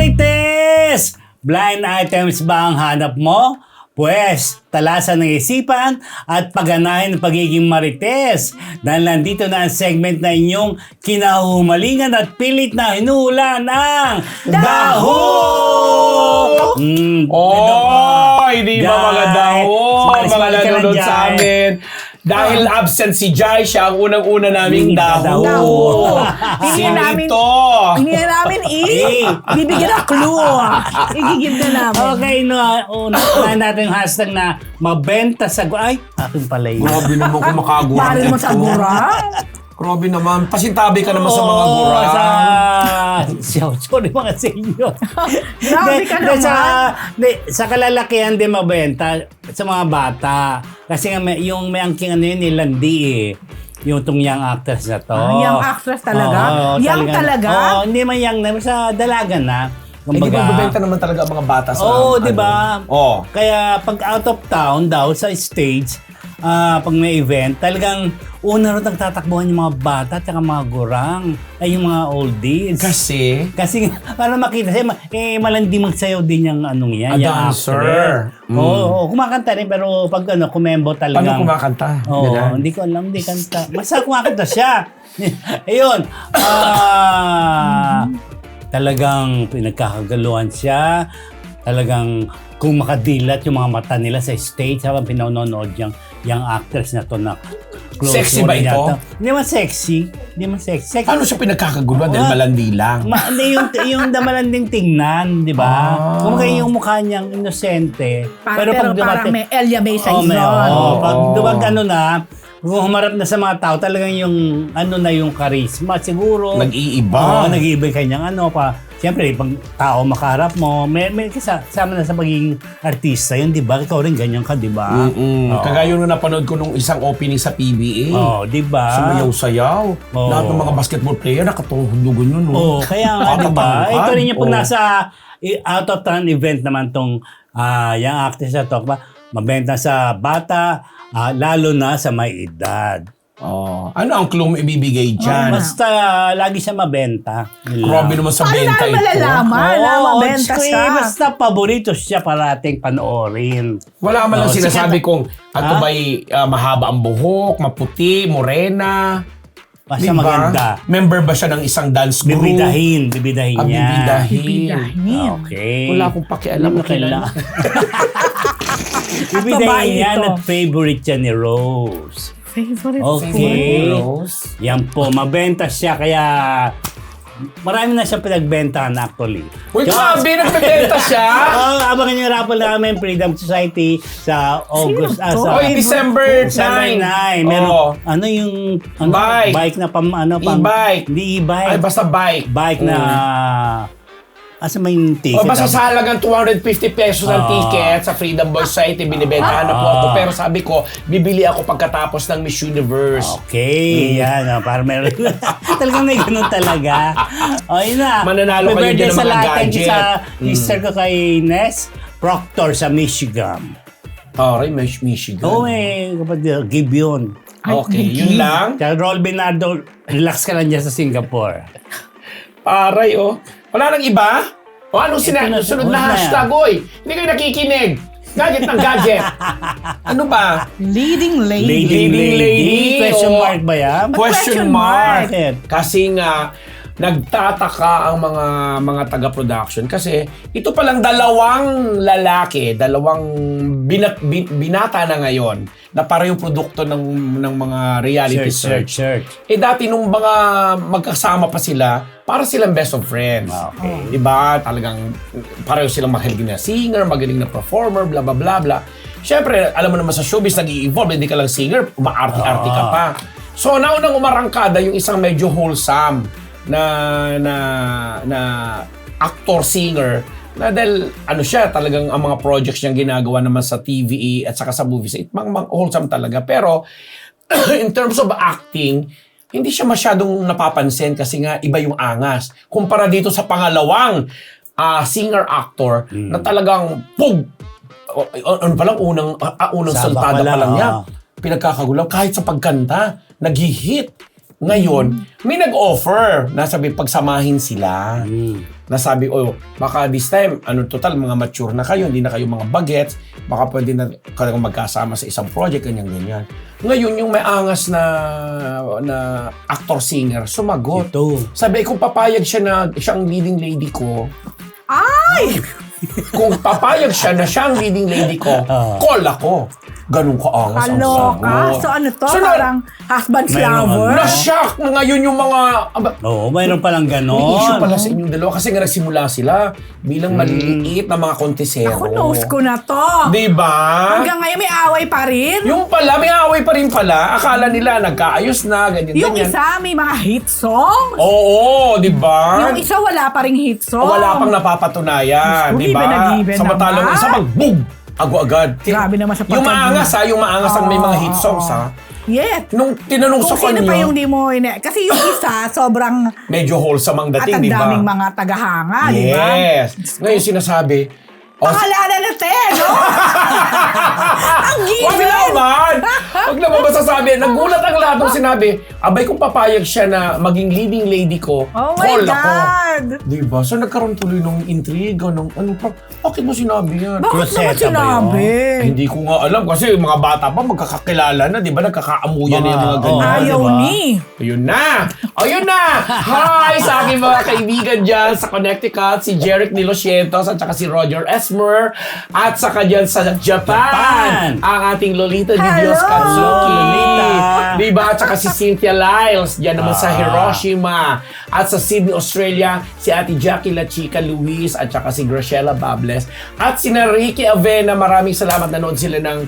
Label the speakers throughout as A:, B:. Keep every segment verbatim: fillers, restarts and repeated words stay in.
A: Marites! Blind items ba ang hanap mo? Pwes, talasan ng isipan at pagganahin ng pagiging marites. Dahil nandito na ang segment na inyong kinahumalingan at pilit na hinuhula ng Daho! Mm,
B: Oh, hindi ba mga daho?
A: Sumalis-
B: Mga
A: sumalis ka lang
B: nanonood
A: dyan.
B: sa amin. Dahil absent si Jai, siya ang unang-una naming
A: Mm,
B: daho.
A: daho.
C: Hindi
B: Sino
C: namin,
B: ito?
C: hindi na namin i. Bibigyan ng clue. Igigib na namin.
A: Okay, no, una na natin yung hashtag na mabenta sa... gu- Ay, akin pala yun.
B: Grabe naman kung makagurang
C: Pare mo sa gurang.
B: Grabe naman. Pasintabi ka naman sa mga
A: Oo,
B: gurang.
A: Sa... Sorry mga sa inyo.
C: Grabe ka
A: Di- di- Sa,
C: naman.
A: di, sa kalalakihan din mabenta sa mga bata. Kasi nga may, yung may angking ano yun, nilandi eh. Yung itong young actress na to.
C: Ah, young actress talaga?
A: Oo,
C: Young talaga?
A: Oo, hindi man young na. Sa dalaga na.
B: Eh, di ba bebenta naman talaga ang mga bata sa...
A: Oo, di
B: ano?
A: ba?
B: Oo.
A: Kaya pag out of town daw sa stage, ah pag may event, talagang una rin nagtatakbuhan yung mga bata at mga gurang, ay yung mga oldies.
B: Kasi...
A: Kasi para makita siya, eh malandi magsayaw din yung anong yan.
B: A
A: yung
B: dancer.
A: actor.
B: Mm.
A: Oo, oo, kumakanta rin pero pag ano, kumembo talaga.
B: Paano kumakanta?
A: Oo,
B: Ganun.
A: hindi ko alam, hindi kanta. Basta kumakanta siya. Ayun. Ah, talagang pinagkakagaluhan siya. Talagang kung makadilat yung mga mata nila sa stage habang pinanonood yung, yung actress na to na close
B: Sexy ba
A: rin
B: ito?
A: yata. Hindi man sexy. Hindi man sexy. sexy.
B: Paano siya pinagkakaguluhan dahil
A: Ah.
B: malandi lang?
A: Ma, hindi, yung, yung damalanding tingnan, di ba?
B: Ah.
A: Kung kaya yung mukha niyang inosente.
C: Pa- pero parang
A: dumating-
C: may Elia May sa
A: Oh, may,
C: izon.
A: oh, pag
B: Oo.
A: duwag ano na, kung humarap na sa mga tao, talagang yung ano na yung charisma siguro.
B: Nag-iiba.
A: Oo, nag-iiba yung kanyang ano pa. Siyempre, pag tao makaharap mo, may, may kasama na sa pagiging artista yun, di ba? Ikaw rin ganyan ka, di ba?
B: Mm-mm.
A: Oo.
B: Kagaya nung napanood ko nung isang opening sa P B A.
A: Oo, di ba?
B: Sumayaw-sayaw.
A: Oo.
B: Lahat ng mga basketball player nakatuhudugan yun. No?
A: Oo, kaya nga, di ba?
B: Kakatangkad.
A: Ito rin yung pag
B: Oo.
A: nasa i- out of town event naman tong ah yung actress na to, ba? Mabenta sa bata, ah, lalo na sa may edad.
B: Oh. Ano ang clue mo ibibigay
A: Oh,
B: dyan?
A: basta lagi siya mabenta. Yun lang.
B: Grabe naman sa
C: Paano
B: benta
C: namin
B: ito.
C: malalaman na
A: Oo,
C: mabenta
A: Diyos ko,
C: siya?
A: eh, Basta paborito siya parating panoorin.
B: Wala man lang
A: Oh,
B: sinasabi
A: sikat-
B: kung ato
A: Ha?
B: ba'y ah, mahaba ang buhok, maputi, morena.
A: Basta
B: Diba?
A: maganda.
B: Member ba siya ng isang dance group?
A: Bibidahin, bibidahin
B: Ah,
A: niya.
B: bibidahin.
C: Bibidahin.
A: Okay.
B: Wala akong pakialam.
A: Ano kailan? Bibidahin
C: babae
A: niya
C: ito.
A: at favorite siya ni Rose.
C: Favorite
A: Okay.
B: Rose.
A: Yan po, mabenta siya kaya marami na siyang pinagbentahan actually.
B: Uy,
A: Tsaka-
B: grabe, nagbebenta siya.
A: Oh, abangan niyo raffle namin Freedom Society sa August.
C: Sino to?
A: sa
B: Oy, December
A: December
B: nine.
A: nine. Meron,
B: Oo.
A: ano yung ano,
B: Bike.
A: bike na pam, ano, pam,
B: E-bike.
A: Hindi e-bike.
B: Ay, basta bike.
A: bike na, asa may ticket.
B: O basta
A: ah?
B: sa halagang two hundred fifty pesos ang
A: Oo.
B: ticket sa Freedom Boys Society, binibentahan na po
A: Oo.
B: ako. Pero sabi ko, bibili ako pagkatapos ng Miss Universe.
A: Okay, yan. ah, para meron. Talagang may ganun talaga. O, yun na.
B: Mananalo
A: Happy
B: kayo
A: birthday
B: din ng
A: sa
B: mga
A: lahat. Thank you
B: gadget.
A: sa
B: Mm.
A: sister ko kay Ness Proctor sa Michigan.
B: Aray, Miss Michigan.
A: Oo, may kapatid. Give yun.
B: Okay, yun lang.
A: Kaya Rol Bernardo, relax ka lang dyan sa Singapore.
B: Aray, oh. Wala nang iba? O anong sina-
A: na,
B: sunod
A: sunod
B: na
A: na
B: hashtag, oy? Hindi kayo nakikinig. Gadget ng gadget. Ano ba?
C: Leading lady.
A: Leading
B: Leading
A: lady.
B: lady,
A: Question
B: o-
A: mark ba yan?
B: Question
C: question
B: mark.
A: mark?
B: Kasi nga, nagtataka ang mga mga taga-production kasi ito palang dalawang lalaki, dalawang binat, bin- binata na ngayon na para yung produkto ng ng mga reality
A: Search,
B: search.
A: search, search.
B: Eh dati nung mga magkasama pa sila, para silang best of friends.
A: Okay.
B: Diba? Talagang pareho silang magaling na singer, magaling na performer, bla bla bla bla. Siyempre, alam mo naman sa showbiz, nag-i-evolve, hindi ka lang singer, umaarte-arte ka pa. So, naunang umarangkada yung isang medyo wholesome na na na actor singer na dahil ano siya talagang ang mga projects niyang ginagawa naman sa T V at saka sa movies it mang, mang wholesome talaga pero in terms of acting hindi siya masyadong napapansin kasi nga iba yung angas kumpara dito sa pangalawang uh, singer actor
A: Mm.
B: na talagang pug ano pa lang unang uh, unang
A: Saba
B: saltada
A: pa lang,
B: pa lang niya
A: ah.
B: pinagkakagulang kahit sa pagkanta nag-hit. Ngayon, may nag-offer na sabi pagsamahin sila.
A: Mm.
B: nasabi, oh, baka this time, ano total, mga mature na kayo, hindi na kayo mga bagets, baka pwede na kayo magkasama sa isang project, ganyan-ganyan. Ngayon, yung may angas na na actor-singer, sumagot.
A: Ito.
B: Sabi, kung papayag siya na siyang leading lady ko,
C: Ay!
B: kung papayag siya na siyang leading lady ko,
A: Ah.
B: call ako. Ganun ka angas ang
C: Kaloka.
B: sagot.
C: So ano to?
B: So, na-
C: Parang husband's
A: Mayroon
C: lover?
A: ano.
B: Na-shock na ngayon yung mga... Aba,
A: Oo, mayroon palang ganon.
B: may issue pala sa inyong dalawa kasi nga nagsimula sila bilang maliliit na mga kontesero.
C: Ako, nose ko na to.
B: Diba?
C: Hanggang ngayon may away pa rin.
B: Yung pala, may away pa rin pala. Akala nila nagkaayos na, ganyan,
C: Yung
B: ganyan.
C: isa may mga hit songs.
B: Oo, di ba?
C: Yung isa wala pa ring hit song.
B: Wala pang napapatunayan,
C: Gusto,
B: di ba?
C: given na given
B: Samantalang
C: naman.
B: isa mag boom! Agad-agad.
C: Grabe naman sa
B: Yung
C: pagkag-
B: maangas ha, yung maangas ang may mga hit
C: Oo,
B: songs
C: oo.
B: ha.
C: Yes.
B: Nung tinanong sa
C: Kung sino
B: kanya,
C: pa yung di mo ina- Kasi yung isa, sobrang
B: medyo wholesome ang
C: at
B: dating,
C: ang
B: di ba?
C: daming mga tagahanga, di ba?
B: Yes. Ngayon sinasabi, oh,
C: Pangalala na te, no? Ang
B: wag
C: given!
B: naman! Wag naman masasabi. Nagulat ang lahat ng sinabi. Abay kung papayag siya na maging leading lady ko,
C: Oh my
B: call ako.
C: God!
B: Diba? So nagkaroon tuloy ng intriga, ng ano pa. Bakit mo sinabi yan?
C: Bakit naman
A: Rosetta ba
C: sinabi?
B: Eh, hindi ko nga alam kasi yung mga bata pa magkakakilala na, di ba? Nagkakaamuyan na yung mga
A: Mga-
B: ganyan.
A: oh,
C: Ayaw
A: diba?
C: ni.
B: Ayun na! Ayun na! Hi sa aking mga kaibigan dyan sa Connecticut, si Jeric Nilosientos at saka si Roger Esmer at saka dyan sa Japan,
A: Japan.
B: ang ating Lolita Di
C: Hello!
B: Dios Katsuki.
A: Lolita.
B: Diba? At saka si Cynthia Lyles dyan naman sa
A: Ah.
B: Hiroshima. At sa Sydney, Australia, si Ate Jackie La Chica Luis at saka si Graciela Bables. At si na Ricky Avena, maraming salamat. Nanood sila ng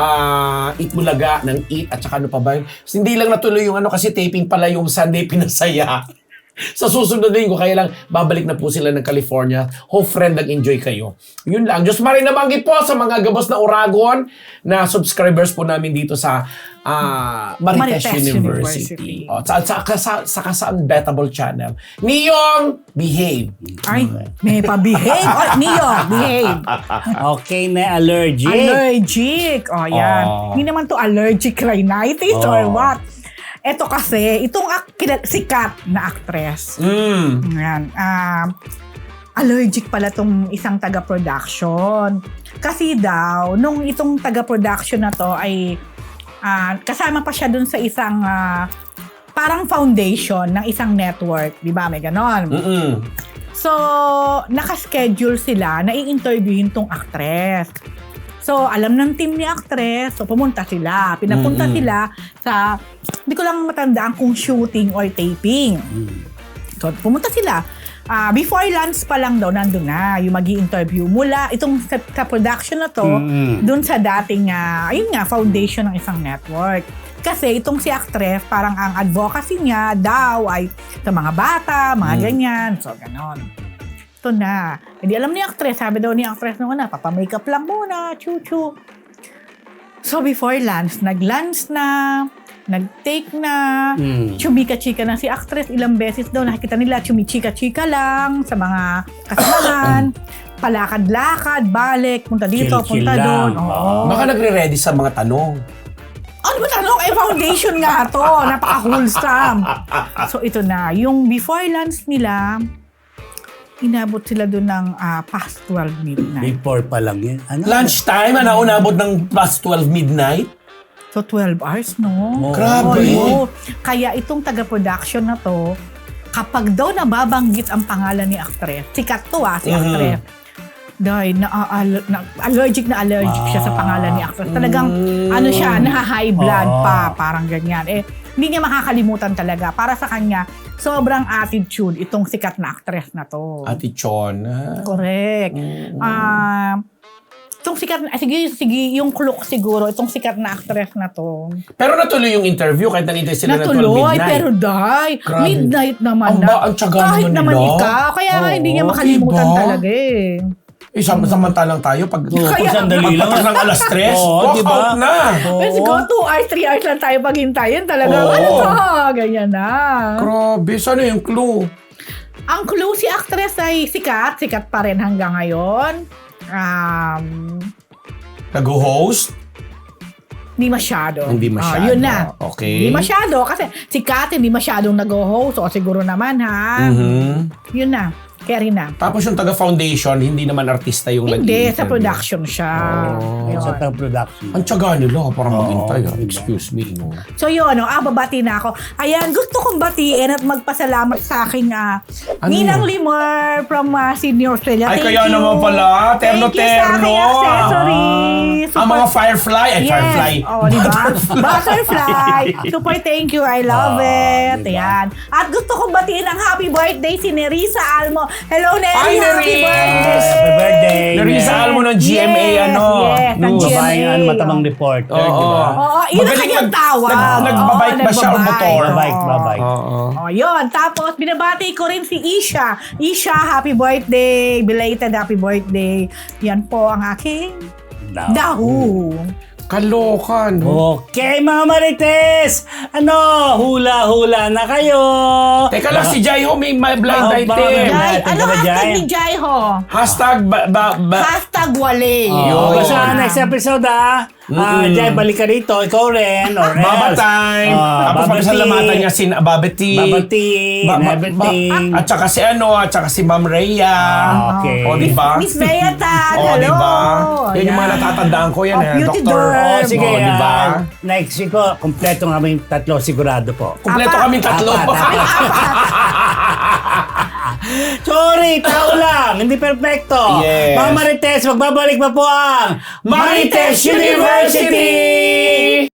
B: ah, Eat Bulaga, ng Eat at saka ano pa ba yun. Hindi lang natuloy yung ano kasi taping pala yung Sunday Pinasaya. Sa susunod din ko, kaya lang babalik na po sila ng California. Hope friend, nag-enjoy kayo. Yun lang. Diyos marin nabanggit po sa mga gabos na Oragon na subscribers po namin dito sa ah, Marites,
C: Marites
B: University.
C: University.
B: O, sa, sa, sa, sa, sa Unbettable Channel. Niyong, behave.
C: Ay, may pa-behave. Oh, Neo, behave.
A: Okay na, allergic.
C: Allergic. Oh, yan.
B: Oh.
C: Hindi naman to allergic rhinitis
A: Oh.
C: or what. Ito kasi, itong ak- kina- sikat na actress.
B: Mm.
C: Yan. ah, allergic pala tong isang taga-production. Kasi daw, nung itong taga-production na to ay ah, kasama pa siya dun sa isang ah, parang foundation ng isang network. Di ba? May ganon.
B: Mm-mm.
C: So, nakaschedule sila na i-interviewin tong actress. So, alam ng team ni actress, so pumunta sila. Pinapunta
B: Mm-mm.
C: sila sa, hindi ko lang matandaan kung shooting or taping. So, pumunta sila. Ah, before lunch pa lang daw, nandun na yung mag-i-interview mula itong sa, sa production na to,
A: Mm-mm.
C: dun sa dating, ah, ayun nga, foundation ng isang network. Kasi itong si actress, parang ang advocacy niya daw ay sa mga bata, mga
B: Mm.
C: ganyan. So, ganon. Ito na. Hindi alam ni actress, sabi daw ni actress nung una, papamakeup lang muna, chu-chu. So, before lunch, nag-lunch na, nag-take na,
A: Mm.
C: chumika-chika na si actress. Ilang beses daw nakikita nila, chumika-chika lang sa mga kasamahan. Palakad-lakad, balik, punta dito,
A: Chill-chill
C: punta doon.
A: lang.
C: Oo.
B: Baka nagre-ready sa mga tanong.
C: Ano ba tanong? Eh, foundation nga to. Napaka-wholesome. So, ito na. Yung before lunch nila, inabot sila doon ng ah, past twelve midnight.
A: Before pa lang yun. Ano?
B: Lunchtime, ano, unabot ng past twelve midnight?
C: So, twelve hours, no?
A: Oh.
B: Grabe.
C: Oo. Kaya itong taga-production na to, kapag daw nababanggit ang pangalan ni actress, sikat to ah, si
B: Mhm.
C: actress, dahil na, al- na- allergic na allergic siya sa pangalan ni actress. Talagang,
B: Mm.
C: ano siya, naha-high blood
A: Ah.
C: pa, parang ganyan. Eh, hindi niya makakalimutan talaga. Para sa kanya, sobrang attitude itong sikat na actress na to.
B: Ate Chon. ah.
C: Correct.
B: Mm.
C: Ah, itong sikat na, ah, sige, sige, yung look siguro, itong sikat na actress na to.
B: Pero natuloy yung interview kahit nanintay sila ng twelve
C: Natuloy,
B: midnight.
C: pero die.
B: Grabe.
C: Midnight naman
B: Ang
C: na.
B: ba- ang tiyaga
C: Kahit
B: naman
C: naman
B: nila.
C: ikaw. Kaya nga hindi niya
B: Oo,
C: makalimutan
B: diba?
C: talaga eh.
B: Eh, sam- samantalang tayo, pag
A: Oo,
C: Kaya-
A: kung sandali lang.
B: pagpatak ng alas tres,
A: Oo,
B: walk
A: diba?
B: out na.
A: Oo.
C: Let's go, two hours, three hours lang tayo paghintayin. Talaga,
B: Oo.
C: ano to? Ganyan na.
B: Grabe, saan yung clue?
C: Ang clue, si actress ay sikat. Sikat pa rin hanggang ngayon. Um,
B: Nag-host?
C: Hindi masyado.
B: Hindi
C: Ah,
B: masyado.
C: yun na.
B: Okay.
C: Hindi masyado. Kasi si Kat hindi masyadong nag-host. O siguro naman ha.
B: Mhm.
C: Yun na. Karina.
B: Tapos yung taga-foundation, hindi naman artista yung
C: Hindi,
B: nag-i-interview.
C: sa production siya.
B: Oh.
C: Yun.
A: Sa tang production.
B: Ang tiyaga nila, parang
A: Oo,
B: maghintay. ah.
A: diba?
B: Excuse me. No?
C: So yun, ano, ah, babati na ako. Ayan, gusto kong batiin at magpasalamat sa aking ah,
B: Ano
C: Ninang
B: yun?
C: Limor from ah, Sydney, Australia.
B: Ay,
C: Thank
B: kaya
C: you.
B: naman pala.
C: Thank you sa aking
B: Terno-terno.
C: accessories.
B: Ang mga firefly. Ay,
C: Yes.
B: firefly.
C: Oh, di ba? Butterfly. Super thank you. I love
A: Ah,
C: it.
A: diba?
C: Ayan. At gusto kong batiin ang happy birthday si Nerissa Almo. Hello, Neri.
B: Hi,
C: Happy
B: Neri.
C: birthday.
A: Happy birthday.
B: Narisa
A: Neri.
B: Almo ng G M A,
C: Yes,
B: ano?
C: yes, ng
B: News.
C: G M A.
A: Babaeng ano, matabang reporter,
B: Oo.
A: di ba?
C: Oo, yun ang
B: Magaling
C: kanyang
B: mag-
C: tawag.
B: nag- nagbabike
C: Oo,
B: ba siya o
C: nagbabike.
B: motor?
A: Babike,
C: Oo.
A: babike.
B: Oo.
C: Oh, yun. Tapos, binabati ko rin si Isha. Isha, happy birthday. Belated happy birthday. Yan po ang aking
A: Daw.
C: dahu.
B: Kalokan.
A: Okay, mga Marites! Ano, hula-hula na kayo!
B: Teka lang, si Jai Ho may may blind
A: Oh,
B: item.
A: bakit?
C: Jai,
A: Natin
C: ano
A: ka ba,
C: hashtag
A: Jai?
C: ni Jai ho?
B: Hashtag ba, ba, ba,
C: Hashtag wale.
A: Oh,
B: Yun.
A: sa next episode ah, ah,
B: Mm-mm.
A: Jai, balik ka rito, ikaw rin, or else.
B: Baba time.
A: Ah,
B: Tapos
A: Baba
B: papasalamatan
A: tea.
B: niya si Babati.
A: Babati,
B: Ba-
A: and
B: ba-
A: everything.
B: ba- at saka si ano, at saka si Ma'am Rhea.
A: Ah, okay.
B: O, di ba?
C: Miss Mayatan,
B: O,
C: hello.
B: di ba? Yan yung mga
C: Ayan.
B: natatandaan ko yan.
C: Oh,
B: eh,
C: beauty
B: Doctor.
C: derm.
A: Oh, sige,
B: O, di ba?
A: ah, next week ko, kompleto nga kaming tatlo, sigurado po.
B: Kompleto
C: Apat.
B: kaming tatlo.
A: Apat, Sorry, tao lang, hindi perfecto.
B: Yes.
A: Mga Marites, magbabalik pa po ang
B: Marites University!